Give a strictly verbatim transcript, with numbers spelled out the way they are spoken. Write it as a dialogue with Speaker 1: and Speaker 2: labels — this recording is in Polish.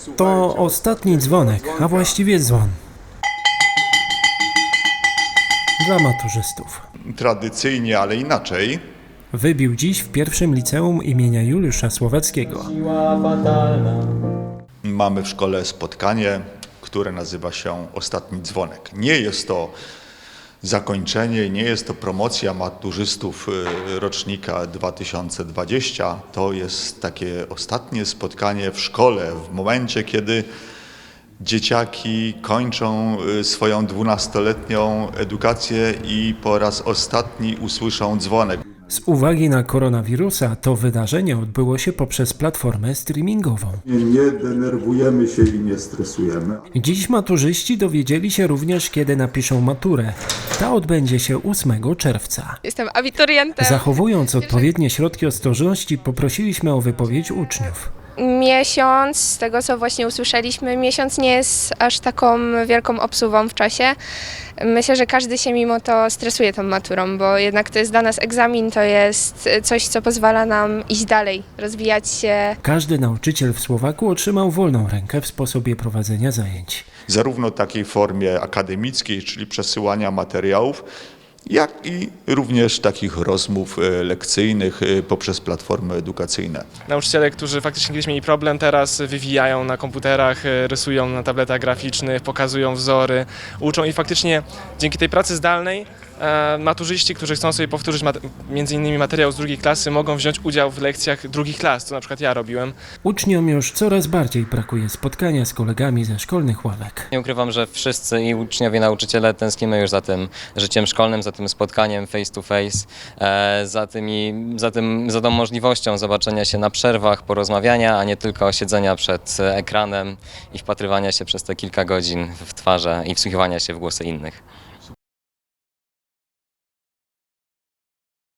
Speaker 1: To ostatni dzwonek, a właściwie dzwon. Dla maturzystów.
Speaker 2: Tradycyjnie, ale inaczej.
Speaker 1: Wybił dziś w pierwszym liceum imienia Juliusza Słowackiego.
Speaker 2: Mamy w szkole spotkanie, które nazywa się Ostatni Dzwonek. Nie jest to zakończenie, nie jest to promocja maturzystów rocznika dwa tysiące dwudziestego. To jest takie ostatnie spotkanie w szkole, w momencie, kiedy dzieciaki kończą swoją dwunastoletnią edukację i po raz ostatni usłyszą dzwonek.
Speaker 1: Z uwagi na koronawirusa to wydarzenie odbyło się poprzez platformę streamingową.
Speaker 3: Nie denerwujemy się i nie stresujemy.
Speaker 1: Dziś maturzyści dowiedzieli się również, kiedy napiszą maturę. Ta odbędzie się ósmego czerwca.
Speaker 4: Jestem abiturientem.
Speaker 1: Zachowując odpowiednie środki ostrożności, poprosiliśmy o wypowiedź uczniów.
Speaker 4: Miesiąc, z tego co właśnie usłyszeliśmy, miesiąc nie jest aż taką wielką obsuwą w czasie. Myślę, że każdy się mimo to stresuje tą maturą, bo jednak to jest dla nas egzamin, to jest coś, co pozwala nam iść dalej, rozwijać się.
Speaker 1: Każdy nauczyciel w Słowaku otrzymał wolną rękę w sposobie prowadzenia zajęć.
Speaker 2: Zarówno w takiej formie akademickiej, czyli przesyłania materiałów, jak i również takich rozmów lekcyjnych poprzez platformy edukacyjne.
Speaker 5: Nauczyciele, którzy faktycznie kiedyś mieli problem, teraz wywijają na komputerach, rysują na tabletach graficznych, pokazują wzory, uczą i faktycznie dzięki tej pracy zdalnej e, maturzyści, którzy chcą sobie powtórzyć mat- między innymi materiał z drugiej klasy, mogą wziąć udział w lekcjach drugich klas, co na przykład ja robiłem.
Speaker 1: Uczniom już coraz bardziej brakuje spotkania z kolegami ze szkolnych ławek.
Speaker 6: Nie ukrywam, że wszyscy i uczniowie, nauczyciele tęsknimy już za tym życiem szkolnym, za tym spotkaniem face to face, e, za, tymi, za, tym, za tą możliwością zobaczenia się na przerwach, porozmawiania, a nie tylko siedzenia przed ekranem i wpatrywania się przez te kilka godzin w twarze i wsłuchiwania się w głosy innych.